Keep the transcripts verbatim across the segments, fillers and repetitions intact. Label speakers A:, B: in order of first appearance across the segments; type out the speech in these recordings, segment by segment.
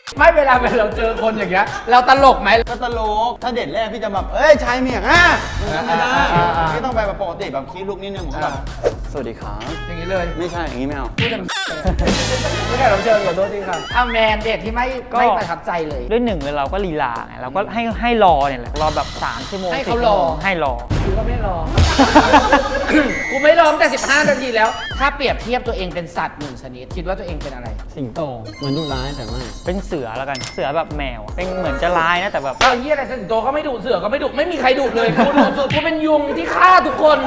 A: ไม่เวลาเราเจอคนอย่างเงี้ยเราตลกไหม
B: ก็ตลกถ้าเดทแรกพี่จะแบบเอ้ยชายเมียงอ่ะมันไม่ได้พี่ต้องไปแบบปกติแบบคิดลุกนิดนึงผมแบบสวัสดีครับ
A: อย่างนี้เลย
B: ไม่ใช่อย่างนี้ไม่เอา
A: พูดจะไม่ได้เราเชิญขอโทษทีครับอ้าวแมนเดทที่ไม่ไม่ประทับใจเลย
C: ด้วยหนึ่งเลยเราก็ลีลาไงเราก็ให้ให้รอเนี่ยแหละรอแบบสามชั่วโมง
A: ให้เขารอ
C: ให้รอ
A: กูก็ไม่รอ กูไม่รอตั้งแต่สิบห้านาทีแล้วถ้าเปรียบเทียบตัวเองเป็นสัตว์หนึ่งชนิดคิดว่าตัวเองเป็นอะไร
B: สิงโตเหมือนดุร้ายแต่ไม่
C: เป็นเสือแล้วกันเสือแบบแมวเป็นเหมือนจะร้ายนะแต่แบบ
A: ก็เฮียอะไรสิงโตก็ไม่ดุเสือก็ไม่ดุไม่มีใครดุเลยกูดุสุดกูเป็นยุงที่ฆ่าทุกคน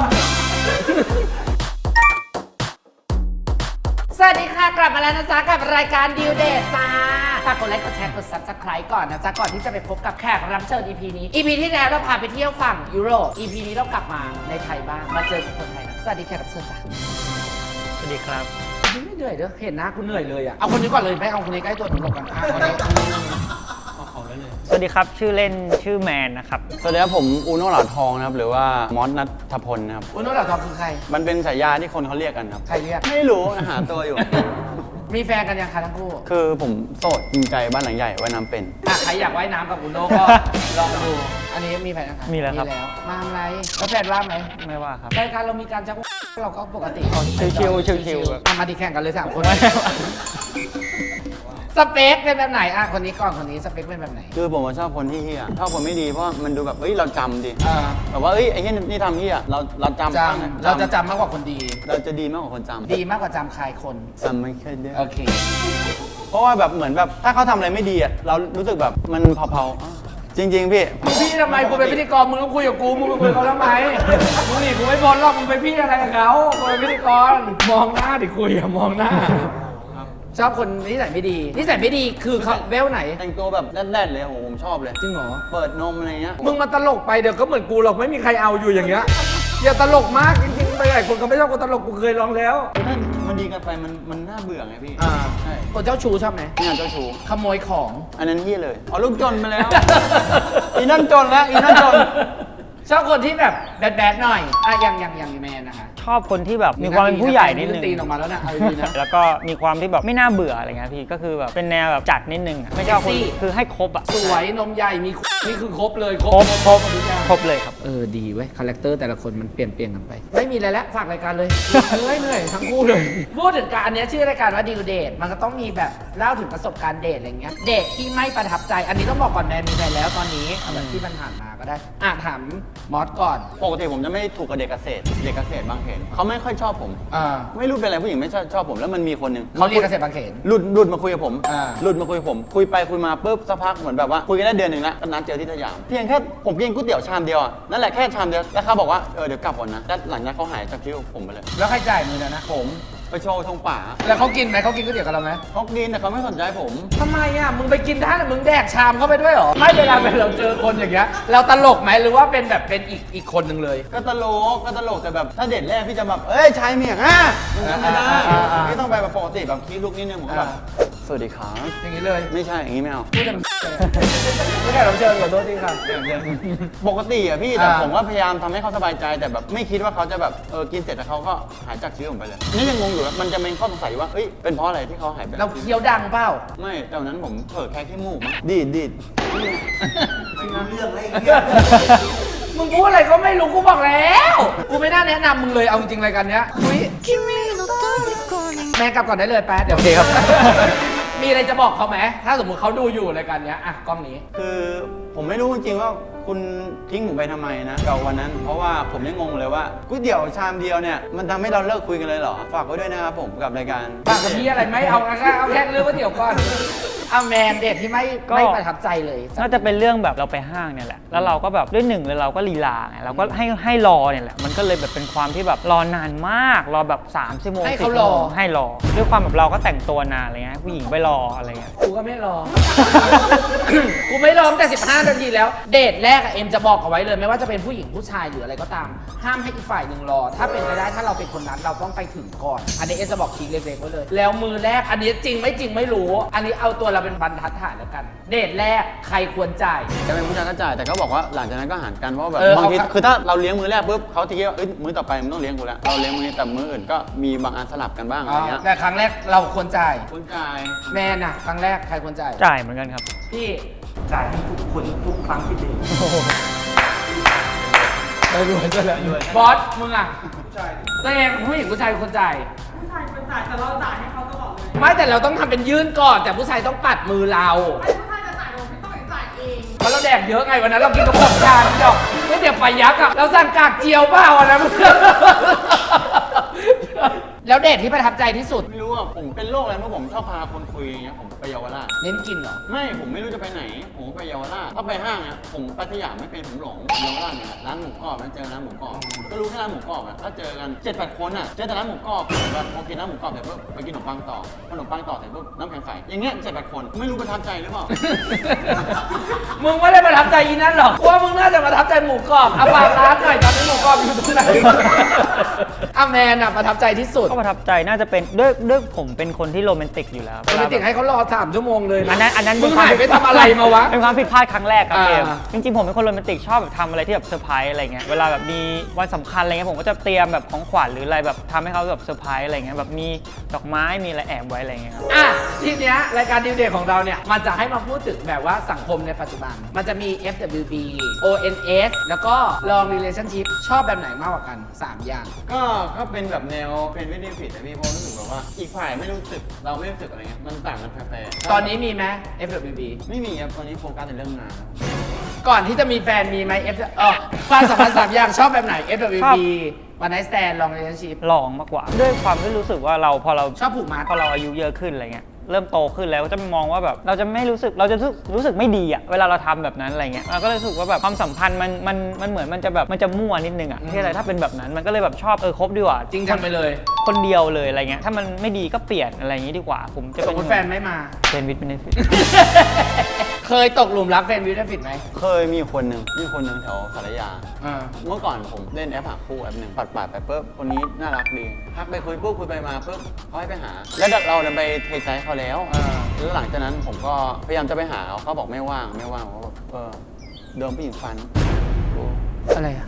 A: สวัสดีค่ะกลับมาแล้วนะจ๊ะกับรายการดิวเดทจ้าฝากกดไลค์กดแชร์กด ซับสไครบ์ ก่อนนะจ๊ะก่อนที่จะไปพบกับแขกรับเชิญ อี พี นี้ อี พี ที่แล้วเราพาไปเที่ยวฝั่งยุโรป อี พี นี้เรากลับมาในไทยบ้างมาเจอกับคนไทยนะสวัสดีแขกรับเชิญจ้ะ
C: สวัสดีครับ
A: ไม่เหนื่อยเด้อเห็นหน้ากูเหนื่อยเลยอ่ะเอาคนนี้ก่อนเลยไม่เอาคนนี้ใกล้ตัวหนูหลบกันอ่ะคนนี้
C: สวัสดีครับชื่อเล่นชื่อแมนนะครับ
B: สวัสดีครับผมอูโน่หลาทองนะครับหรือว่ามอสนัทพลนะครับ
A: อูโน่หลาทองคือใคร
B: มันเป็นฉายาที่คนเขาเรียกกันครับ
A: ใครเรียก
B: ไม่รู้หาตัวอยู่
A: มีแฟนกันยังคะทั้งคู่
B: คือผมโสดจริงใจบ้านหลังใหญ่ว่ายน้ำเป็น
A: อ่ะใครอยากว่ายน้ำกับอูโน่ก็ลองดูอันนี้มีแฟนยังคะ
C: มีแล้วครับ
A: มาทำไรแล้วแฟนว่าไหม
C: ไม่ว่าครับ
A: รายการเรามีการชักเราก็ปกติ
C: ชิวๆชิวๆ
A: อ่ะมาดีแข่งกันเลยสามคนสเปคเป็นแบบไหนอ่ะคนนี้ก่อนคนนี้สเปคเป็นแบบไหน
B: คือผมชอบคนที่เฮียชอบคนไม่ดีเพราะมันดูแบบเอ้ยเราจำดิแบบว่าเอ้ยไอ้เฮียนี่ทำเฮียเราเราจำ
A: จำเราจะจำมากกว่าคนดี
B: เราจะดีมากกว่าคนจำ
A: ดีมากกว่าจำใครคน
B: จำไม่เคยได้
A: โอเค
B: เพราะว่าแบบเหมือนแบบถ้าเขาทำอะไรไม่ดีอ่ะเรารู้สึกแบบมันเผาๆจริงๆพี่
A: พี่ทำไมกูเป็นพิธีกรมึงต้องคุยกับกูมึงไปคุยกับเขาทำไมมึงนี่กูไม่บอลหรอกมึงไปพี่อะไรกับเขากูเป็นพิธีกรมองหน้าดิคุยอย่ามองหน้าชอบคนนิสัยไม่ดีนิสัยไม่ดีคือเขาเวลไหน
B: แต่งตัวแบบแน่นๆเลยโอ้โหผมชอบเลย
A: จริงเหรอ
B: เปิดนมอะไรเงี้ย
A: มึงมาตลกไปเดี๋ยวก็เหมือนกูหรอกไม่มีใครเอาอยู่อย่างเงี้ยอย่าตลกมากจริงๆไปหลายคนเขาไม่ชอบคนตลกกูเคยลองแล้ว
B: ถ้ามันดีกันไปมันมันน่าเบื่อไงพี่
A: อ่าใช่คนเจ้าชู้ชอบไหม
B: นี่เจ้าชู้
A: ขโมยของ
B: อันนั้นที่เลยเอาลูกจนมาแล้วอีนั่นจนแล้วอีนั่นจน
A: ชอบคนที่แบบแบดๆหน่อยอ่ะอย่างอย่างอย่างแมนนะคะ
C: ชอบคนที่แบบมีความเป็นผู้ใหญ่นิดนึง
A: ตีนออกมาแล้วนะเอาดีนะ
C: แล้วก็มีความที่แบบไม่น่าเบื่ออะไรเงี้ยพี่ก็คือแบบเป็นแนวแบบจัดนิดนึงไม่ชอบคนคือให้ครบอ่ะ
A: สวยนมใหญ่มีนี่คือครบเลย
C: ครบครบครบเลยครับ
A: เออดีเว้ยคาแรคเตอร์แต่ละคนมันเปลี่ยนเปลี่ยนกันไปไม่มีอะไรแล้วฝากรายการเลยเหนื่อยเหนื่อยทั้งคู่เลยพูดถึงการอันนี้ชื่อรายการว่าดิวเดทมันก็ต้องมีแบบเล่าถึงประสบการณ์เดทอะไรเงี้ยเดทที่ไม่ประทับใจอันนี้ต้องบอกก่อนแมนมีแฟนแล้วตอนนี้แบบที่มันผ่านมาก็ได้อ่ะถามมอสก่อน
B: ปกติผมจะไม่ถูกกับเด็กเกษตรเด็กเกษตรบางเขนเขาไม่ค่อยชอบผม
A: อ่า
B: ไม่รู้เป็นอะไรผู้หญิงไม่ชอบชอบผมแล้วมันมีคนหนึ่ง
A: เขาเรียนเกษตรบางเขน
B: หลุดหลุดมาคุยกับผม
A: อ่า
B: หลุดมาคุยกับผมคุยไปคุยมาปุ๊บสักพักเหมือนแบบว่าคุยกันได้เดือนหนึ่งแล้วก็นัดเจอที่สยามเพียงแค่ผมกินก๋วยเตี๋ยวชามเดียวอ่ะนั่นแหละแค่ชามเดียวแล้วเขาบอกว่าเออเดี๋ยวกลับก่อนนะแล้วหลังจากเขาหายจากคิวผมไปเลย
A: แล้วใครจ่ายมือนะ
B: ผมไปโชว์ทงป่า
A: แล้วเขากินไหมเขากินก๋วยเตี๋ยวกับเราไหม
B: เขากินแต่เขาไม่สนใจผม
A: ทำไมอ่ะมึงไปกินท่านมึงแดกชามเข้าไปด้วยหรอไม่เวลาเราเจอคนอย่างเงี้ยเราตลกไหมหรือว่าเป็นแบบเป็นอีกอีกคนหนึ่งเลย
B: ก็ตลกก็ตลกแต่แบบถ้าเดทแรกพี่จะแบบเอ้ยชายเมียงอ่ะมันไม่ได้พี่ต้องไปแบบปกติแบบคิดลุกนิดนึงผมแบบสวัสดีครับ
A: อย่างนี้เลย
B: ไม่ใช่อย่างนี้ไม่เอา
A: พูดจะไม่ได้เราเชิญขอโทษทีครับ
B: ปกติอ่ะพี่แต่ผมก็พยายามทำให้เขาสบายใจแต่แบบไม่คิดว่าเขาจะแบบเออกินเสร็จแล้วเขาก็หายจากชีวิตผมไปเลยนี่ยังงงอยู่มันจะเป็นข้อสงสัยว่าเอ้ยเป็นเพราะอะไรที่เขาหายไป
A: เราเคี้ยวดังเปล่า
B: ไม่แต่วันนั้นผมเผลอแค่ขี้มูกดีดดีด
A: ไม่รู้เรื่องอะไรมึงพูดอะไรก็ไม่รู้กูบอกแล้วกูไม่น่าแนะนำมึงเลยเอาจริงๆรายการเนี้ยอุ้ยแม่กลับก่อนได้เลยแป๊ดเดี๋ยวโอเคครับมีอะไรจะบอกเขาไหมถ้าสมมติเขาดูอยู่รายการเนี้ยอ่ะกล้องนี้
B: คือผมไม่รู้จริงๆว่าคุณทิ้งผมไปทำไมนะกับวันนั้นเพราะว่าผมยังงงเลยว่าก๋วยเตี๋ยวชามเดียวเนี่ยมันทำให้เราเลิกคุยกันเลยเหรอฝากไว้ด้วยนะครับผมกับรายการ
A: ฝากกับพี่อะไรไหมเอาแค่เอาแค่เรื่องก๋วยเตี๋ยวก่อนเอาแมนเด็ดที่ไม่ไม่ประทับใจเลย
C: น่าจะเป็นเรื่องแบบเราไปห้างเนี่ยแหละแล้วเราก็แบบด้วยหนึ่งเลยเราก็ลีลาไงเราก็ให้ให้รอเนี่ยแหละมันก็เลยแบบเป็นความที่แบบรอนานมากรอแบบสามชั่วโมง
A: ให้เขารอ
C: ให้รอด้วยความแบบเราก็แต่งตัวนานอะไรเงี้ยผู้หญิงไปรออะไรเงี้ย
A: กูก็ไม่รอ กูไม่รอแต่สิบห้านาทีแล้วเดทแรกเอ็มจะบอกเอาไว้เลยไม่ว่าจะเป็นผู้หญิงผู้ชายหรืออะไรก็ตามห้ามให้อีกฝ่ายหนึ่งรอถ้าเป็นไปได้ถ้าเราเป็นคนนั้นเราต้องไปถึงก่อนอันนี้เอ็มจะบอกทีเล็กๆไว้เลยแล้วมือแรกอันนี้จริงไม่จริงไม่รู้อันนี้เอาตัวเราเราเป็นบรรทัดฐานแล้วกัน เดทแรกใครควรจ่าย
B: จะเป็นผู้ชายก็จ่ายแต่ก็บอกว่าหลังจากนั้นก็หารกันเพราะว่าแบบ
A: เออบ
B: างที
A: เอาครับ
B: คือถ้าเราเลี้ยงมื้อแรกปุ๊บเขาจะคิดว่าเอ้ยมื้อต่อไปมันต้องเลี้ยงกูแล้วเราเลี้ยงมื้อนี้แต่มื้ออื่นก็มีบางอันสลับกันบ้างอะไรเงี้ย
A: แต่ครั้งแรกเราควรจ่าย
B: คุณจ่าย
A: แมนน่ะครั้งแรกใครควรจ่าย
C: จ่ายเหมือนกันครับ
A: พี่
D: จ่ายให้ทุกคนทุกครั้งที่เดท
A: ไปรวยจะแล้วบอสมึงอ่ะตัวเองผู้หญิงผู้ชายเป็นคนจ่าย
E: ผู้ชายเป็นจ่ายแต่เราจ่ายให้เขาตลอดเลย
A: ไม่แต่เราต้องทำเป็นยื่นก่อน แต่ผู้ชายต้องปัดมือเรา
E: ไอ้ผู้ชายจะจ่ายเราไม่ต้องจ่ายเอง
A: เพราะเราแดกเยอะไงวันนั้นเรากินกระป๋องชาพี่ดอกไม่เดี๋ยวไปยักษ์อ่ะเราสั่งกากเจียวเปล่าอ่ะนะ แล้วเดทที่ประทับใจที่สุด
B: ไม่รู้อ่ะผมเป็นโรคอะไรเมื่อผมชอบพาคนคุยอย่างเงี้ยผมไปเยาวราช
A: เน้นกินเหรอ
B: ไม่ผมไม่รู้จะไปไหนผมก็ไปเยาวราชถ้าไปห้างอ่ะผมไปสยามไม่เป็นผมหลงเยาวราชเนี่ยร้านหมูกรอบนะเจอร้านหมูกรอบก็รู้แค่ร้านหมูกรอบอ่ะถ้าเจอกันเจ็ดแปดคนอ่ะเจอแต่ร้านหมูกรอบแบบพอกินร้านหมูกรอบเสร็จปุ๊บไปกินขนมปังต่อขนมปังต่อเสร็จปุ๊บน้ำแข็งใสอย่างเงี้ยเจ็ดแปดคนไม่รู้ประทับใจหรือเปล่า
A: มึงไม่ได้ประทับใจอีนั่นหรอกว่ามึงน่าจะประทับใจหมูกรอบเอาฝากร้านหน่อยตอนนี้หมูกรอบอยู่ตรงไหน อาแมนอะประทับใจที่สุด
C: ก็ประทับใจน่าจะเป็นด้วยด้วยผมเป็นคนที่โรแมนติกอยู่แล้ว
A: โรแมนติกให้เขารอสามชั่วโมงเลย
C: อันนั้นอันนั้น
A: มึงหายไปทำอะไรมาวะ
C: เป็นความผิดพลาดครั้งแรกครับ
A: อ่า
C: เกมจริงๆผมเป็นคนโรแมนติกชอบแบบทำอะไรที่แบบเซอร์ไพรส์อะไรเงี้ยเวลาแบบมีวันสำคัญอะไรเงี้ยผมก็จะเตรียมแบบของขวัญหรืออะไรแบบทำให้เขาแบบเซอร์ไพรส์อะไรเงี้ยแบบมีดอกไม้มีอะไรแอบไว้อะไรเงี้ยครับ
A: อ่ะทีเนี้ยรายการดิวเดย์ของเราเนี่ยมันจะให้มาพูดถึงแบบว่าสังคมในปัจจุบัน มันจะมี เอฟ ดับเบิลยู บี โอ เอ็น เอส แล้วก็ long relationship ชอบแบบไหนมากกว่ากันสามอย่าง
B: ก็ก็เป็นแบบแนวเป็นวิธีผิดแต่พี่เพราะรู้สึกแบบว่าอีกฝ่ายไม่รู้สึกเราไม่รู้สึกอะไรเงี้ยมันต่างกันแฟร์ๆ
A: ตอนนี้มีไหม เอฟ ดับเบิลยู บี
B: ไม่มีครับตอนนี้โฟกัสในเรื่องงานครับ
A: ก่อนที่จะมีแฟนมีไหม F เออความสัมพันธ์สามอย่างชอบแบบไหน เอฟ ดับเบิลยู บี วันไนท์สแตน long relationship
C: ลองมากกว่า ด้วยความที่รู้สึกว่าเราพอเรา
A: ชอบผูกมัด
C: พอเราอายุเยอะขึ้นอะไรเงี้ยเริ่มโตขึ้นแล้วก็จะมองว่าแบบเราจะไม่รู้สึกเราจะรู้สึกรู้สึกไม่ดีอะเวลาเราทำแบบนั้นอะไรเงี้ยเราก็เลยรู้สึกว่าแบบความสัมพันธ์มันมันมันเหมือนมันจะแบบมันจะมั่วนิดนึงอะที่อะไรถ้าเป็นแบบนั้นมันก็เลยแบบชอบเออคบดีกว่า
A: จริงจังไปเลย
C: คนเดียวเลยอะไรเงี้ยถ้ามันไม่ดีก็เปลี่ยนอะไรอย่างงี้ดีกว่า ผมจะ
A: สมมติแฟนไม่มา
C: เป็นวิทย์เป็นฟิต
A: เคยตกหลุมรักแฟนวิวได้ผิดไหม
B: เคยมีคนหนึ่งมีคนหนึ่งแถวสารยา
A: อ่า
B: เมื่อก่อนผมเล่นแอปหาคู่แอปหนึ่งปัดปาดไปปุ๊บคนนี้น่ารักดีทักไปคุยปุ๊บคุยไปมาปุ๊บเขาให้ไปหา แล้วเราเดินไปเทใจเขาแล้ว
A: อ่า
B: แล้วหลังจากนั้นผมก็พยายามจะไปหาเขาเขาบอกไม่ว่างไม่ว่างเขาบอกเออเดิมผู้หญิงฟันโอ้
A: อะไรอ่ะ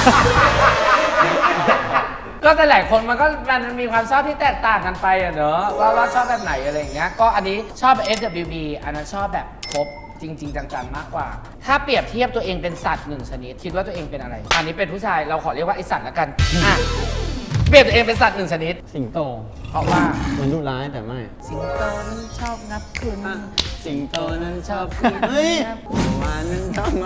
A: ก็แต่หลายคนมันก็มันมีความชอบที่แตกต่างกันไปอะเนอะว่าว่าชอบแบบไหนอะไรอย่างเงี้ยก็อันนี้ชอบแบบ เอฟ ดับเบิลยู บี อันนั้นชอบแบบครบจริง ๆ จังๆมากกว่า ถ้าเปรียบเทียบตัวเองเป็นสัตว์หนึ่งชนิดคิดว่าตัวเองเป็นอะไร อันนี้เป็นผู้ชายเราขอเรียกว่าไอสัตว์ละกันอ่ะเปรียบตัวเองเป็นสัตว์หนึ่งชนิด
B: สิงโต
A: เพราะว่า
B: มันดุร้ายแต่ไม่
A: สิงโตนั้นชอบงับคุณ
B: สิงโตนั้นชอบกินเฮ้ยหวานนั้นชอบมา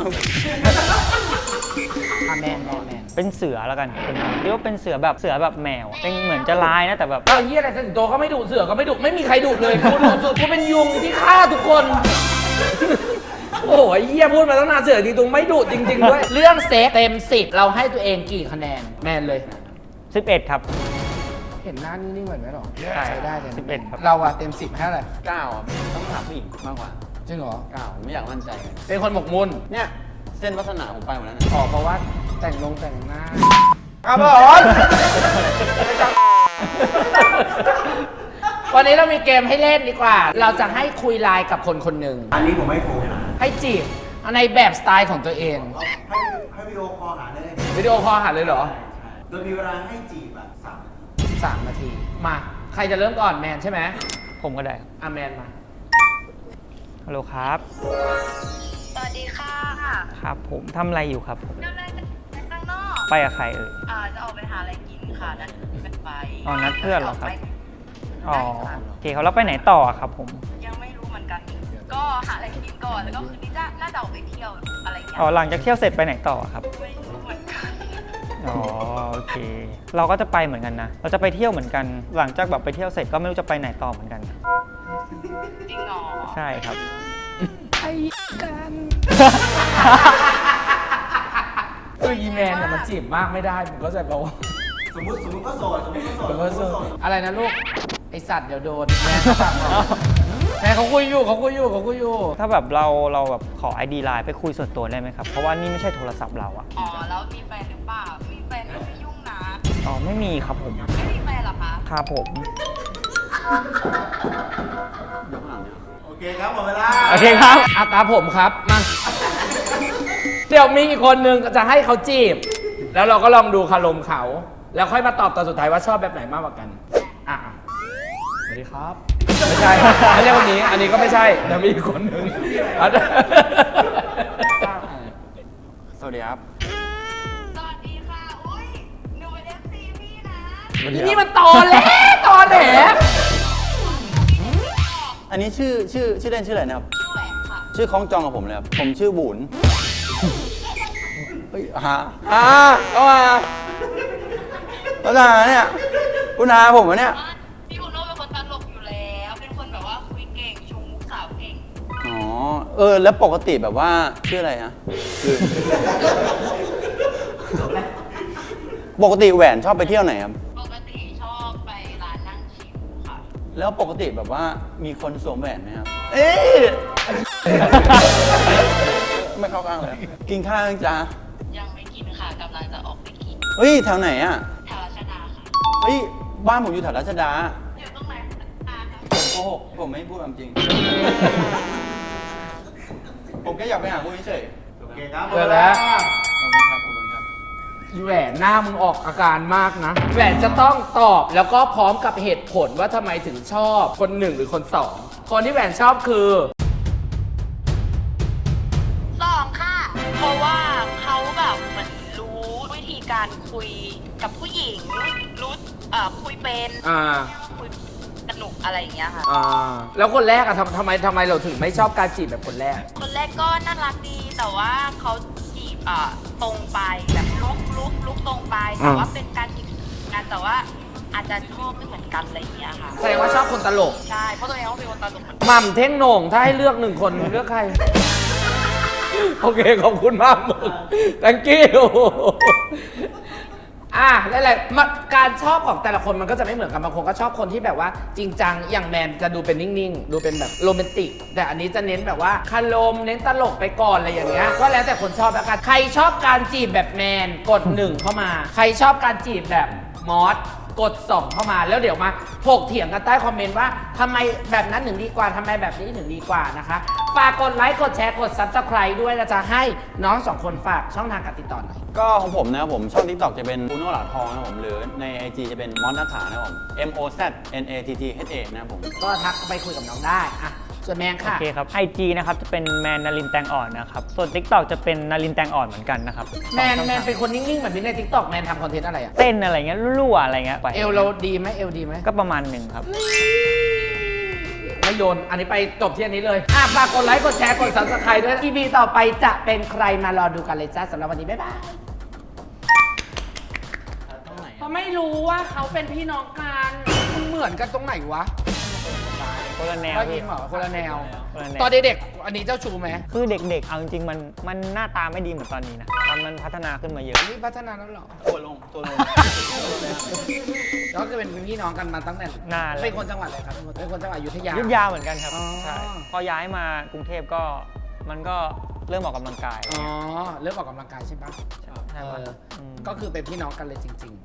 A: อ่ะแมนแมนแมน
C: เป็นเสือแล้วกันเป็นเรียกว่าเป็นเสือแบบเสือแบบแมวอะเป็นเหมือนจะร้ายนะแต่แบบ
A: ก็เฮียอะไรสิงโตก็ไม่ดุเสือก็ไม่ดุไม่มีใครดุเลยกูดุสุดกูเป็นยุงที่ฆ่าทุกคน โอ้ยเฮียพูดมาตั้งนานเสือจริงๆไม่ดุจริง ๆ ด้วย เรื่องเซ็กเต็มสิบเราให้ตัวเองกี่คะแนนแมนเลย
C: สิบเอ็ดครับ
A: เห็นหน้านิ่งๆเหมือนไหมหรอ
C: ใช่
A: ใช้ได้เลยนะ
C: สิบเอ็ดครับ
A: เราอะเต็มสิบให้อะไร
B: เก้าอ่ะต้องถามผู้หญิงมากกว่า
A: จริงเหรอ
B: เก้าไม่อยากมั่นใจเลย
A: เป็นคนหมกมุ่น
B: เนี่ยเส้นวัฒนาผมไปหมดแล้วนะ
A: ออกเพราะว่าแต่งลงแต่งหน้าครับผม วันนี้เรามีเกมให้เล่นดีกว่า เราจะให้คุยไลน์กับคนคนหนึ่ง
D: อันนี้ผมไม่โทรนะ
A: ให้จีบในแบบสไตล์ของตัวเอง
D: ให้ให้วิดีโอคอลหาเลย
A: วิดีโอคอลหาเลยเหรอ
D: โดยมีเวลาให้จีบแบบสาม
A: สามนาที มา ใครจะเริ่มก่อนแมนใช่ไหม
C: ผมก็ได้ครับ
A: อ่ะแมนมา
C: ฮัลโหลครับ
E: สวัสดีค่ะ
C: ครับผมทำอะไรอยู่ครับผม
E: กำลังจะไปข้างนอก
C: ไปกับใครเอ่ย
E: อ่าจะออกไปหาอะไรกินค่ะนัดกันไป
C: อ๋อนัดเพื่อนเหรอครับ อ๋อ
E: ใช่ค่ะ
C: โอเคเขาแล้วไปไหนต่ออะครับผม
E: ยังไม่รู้เหมือนกัน ก็หาอะไรกินก่อนแล้วก็คืนนี้จะน่าจะออกไปเที่ยวอะไรเงี้ย
C: อ๋อหลังจากเที่ยวเสร็จไปไหนต่ออะครับ
E: ไม่รู้เหมือนกัน
C: อ๋อโอเค เราก็จะไปเหมือนกันนะ เราจะไปเที่ยวเหมือนกัน หลังจากแบบไปเที่ยวเสร็จก็ไม่รู้จะไปไหนต่อเหมือนกัน
E: จริงเหรอ
C: ใช่ครับ
A: ไอ้กันตัวอีแมนเนี่ยมันจีบมากไม่ได้ผมก็จะบอกว่า
D: สมมติสมมติก็โสดสมมติก็โสด
A: ผมก็สู้อะไรนะลูก ไอสัตว์เดี๋ยวโดนแม่สั่งบอกแม่เขาคุยอยู่เขาคุยอยู่เขาคุยอยู่
C: ถ้าแบบเราเราแบบขอ ไอ ดี ไลน์ไปคุยส่วนตัวได้ไหมครับ เพราะว่านี่ไม่ใช่โทรศัพท์เราอะ
E: อ๋อแล้วมีแฟนหรือเปล่ามีแฟนก็ไม่ยุ่งนะ
C: อ๋อไม่มีครับผม
E: ไม่มีแฟนเหรอคะ
C: ครับผม
B: ยกข้างหลังเนี่ย
D: โอเคครับหมดเวลา
C: โอเคครับ
A: อาตาผมครับ มา เดี๋ยวมีอีกคนนึงจะให้เขาจีบ แล้วเราก็ลองดูคารมเขา แล้วค่อยมาตอบตอนสุดท้ายว่าชอบแบบไหนมากกว่ากัน อ่ะสวัสดีครับ ไม่ใช่ ไม่ใช่คนนี้ อันนี้ก็ไม่ใช่เดี๋ยวมีอีกคนนึงอ่ะ
B: สวัสดีครับ
E: สวัสดีค่ะ อุ้ยหนูเป็นเอฟซีพี่นะ
A: นี่มันตอแหลตอแหล
B: อันนี้ชื่อชื่อชื่อเล่นชื่ออะไรนะครับ
E: ชื่อแหวนค่ะ
B: ชื่อคล้องจองกับผมเลยครับผมชื่อบุญเฮ้ยหา
A: อ่าก็มา
B: แล้วหาเนี่ยคุณหาผมวะเนี่ย
E: ว่าพี่บุญโน่เป็นคนตลกอยู่แล้ว เป็นคนแบบว่าคุยเก่งชงมุกสาวเก่ง
B: อ๋อ เออ แล้วปกติแบบว่าชื่ออะไรนะคือ ปกติแหวนชอบไปเที่ยวไหนครับ
E: ปกติชอบไปร้านนั่งชิลค่ะ
B: แล้วปกติแบบว่ามีคนสวมแหวนไหมครับ เอ๊ะ ไม่เข้าข้างเลย กินข้าวยังจ้า
E: ยังไม่กินค่ะกำลังจะออกไปกิน
B: เฮ้ย แถวไหนอ่ะ
E: แถวรัชดาค่ะ
B: เฮ้ย บ้านผมอยู่แถวรัชดา
E: อยู่ตรงไหนคะคะ
B: ผมโกหกผมไม่พูดความจริง ผมแค่อยากไปหาคุณเฉย
D: โอเคครับหม
A: เจ
D: ด
A: อ
D: เว
A: แล้
D: ลาว
B: ๆขอบคุณครับ ขอบคุณครับ
A: อีแหวนหน้ามึงออกอาการมากนะ แหวนจะต้องตอบแล้วก็พร้อมกับเหตุผลว่าทำไมถึงชอบคนหนึ่งหรือคนสอง คนที่แหวนชอบคือ
E: สองค่ะ เพราะว่าเขาแบบเหมือนรู้วิธีการคุยกับผู้หญิง รู้เอ่อคุยเป็น
A: อ่า
E: คุยสนุกอะไรอย่างเงี้ยค่ะ
A: อ่า แล้วคนแรกอะทำทำไมทำไมเราถึงไม่ชอบการจีบแบบคนแรก
E: คนแรกก็น่ารักดี แต่ว่าเขาจีบเอ่อตรงไปแบบลุกลุกลุกตรงไปแต่ว่าเป็นการจีบกันแต่ว่าอาจจะชอบไม่เหมือนกันอะไรอย่างเงี้ยค่ะ
A: แสดงว่าชอบคนตลก
E: ใช่เพราะตัวเองก็เป็นคนตลกเหมือนกัน
A: หม่ำเท่งโหน่งถ้าให้เลือกหนึ่งคนเลือกใคร โอเค ขอบคุณมากมึง thank you อ่ะแล้วอะไรมาการชอบของแต่ละคนมันก็จะไม่เหมือนกันบางคนก็ชอบคนที่แบบว่าจริงจังอย่างแมนจะดูเป็นนิ่งๆ ดูเป็นแบบโรแมนติก แต่อันนี้จะเน้นแบบว่าคารมเน้นตลกไปก่อนอะไรอย่างเงี้ยก็แล้วแต่คนชอบแล้วกันใครชอบการจีบแบบแมนกดหนึ่งเข้ามา ใครชอบการจีบแบบมอสกดสองเข้ามาแล้วเดี๋ยวมาถกเถียงกันใต้คอมเมนต์ว่าทำไมแบบนั้นถึงดีกว่าทำไมแบบนี้ถึงดีกว่านะคะฝากกดไลค์กดแชร์กด ซับสไครบ์ ด้วยนะจะให้น้องสองคนฝากช่องทางการติดต่อหน่อย
B: ก็ของผมนะครับผมช่อง TikTok จะเป็นปูโน่หลาทองนะครับผมหรือใน ไอ จี จะเป็นมอสนัทธานะครับผม M O Z N A T T H A นะครับผม
A: ก็ทักไปคุยกับน้องได้อ่ะส่วนแมง
C: โอ
A: ค่ะ
C: เคครับ ไอ จี นะครับจะเป็นแมนนารินแตงอ่อนนะครับ ส่วน TikTok จะเป็นนารินแตงอ่อนเหมือนกันนะครับ
A: แมน
C: สองช่อง
A: แมนเป็นคนนิ่งๆแบบนี้ใน ทิกตอก แมนทำคอนเทนต์อะไรอ่ะ
C: เต้นอะไรเงี้ยรั่วๆอะไรเงี้ยไป
A: เอลเราดีไหมเอลดีไหม
C: ก็ประมาณหนึ่งครับ
A: ไม่โยน อันนี้ไปจบที่อันนี้เลยอ่ะฝากกดไลค์กดแชร์กด ซับสไครบ์ ด้วย อี พี ต่อไปจะเป็นใครมารอดูกันเลยจ้าสำหรับวันนี้บ๊ายบายเขาไม่รู้ว่าเขาเป็นพี่น้องกันมันเหมือนกันตรงไหนวะ
C: คนละแนว
A: ได้
C: พี่
A: ยินเหรอคนละแนว
C: คนละแนว
A: ตอนเด็กๆอันนี้เจ้าชูไหม
C: คือเด็กๆ เอาจริงๆ มันมันหน้าตาไม่ดีเหมือนตอนนี้นะตอนมันพัฒนาขึ้นมาเยอะ
A: นี่พัฒนาแล้วเหรอ
B: ตัวลง ตัวลง
A: แล้วก็เป็นพี่น้องกันมาตั้งแต่
C: นานแล้ว
A: เป็นคนจังหวัดอะไรครับเป็นคนจังหวัดอยุธยา
C: ยุทธยาเหมือนกันครับ
A: อ๋อ
C: ใช่ พอย้ายมากรุงเทพก็มันก็เริ่มออกกำลังกาย
A: อ๋อเริ่มออกกำลังกายใช่ปะ
C: ใช่
A: เอ
C: ปะ
A: อ
C: อืม
A: ก็คือเป็นพี่น้องกันเลยจริง ๆ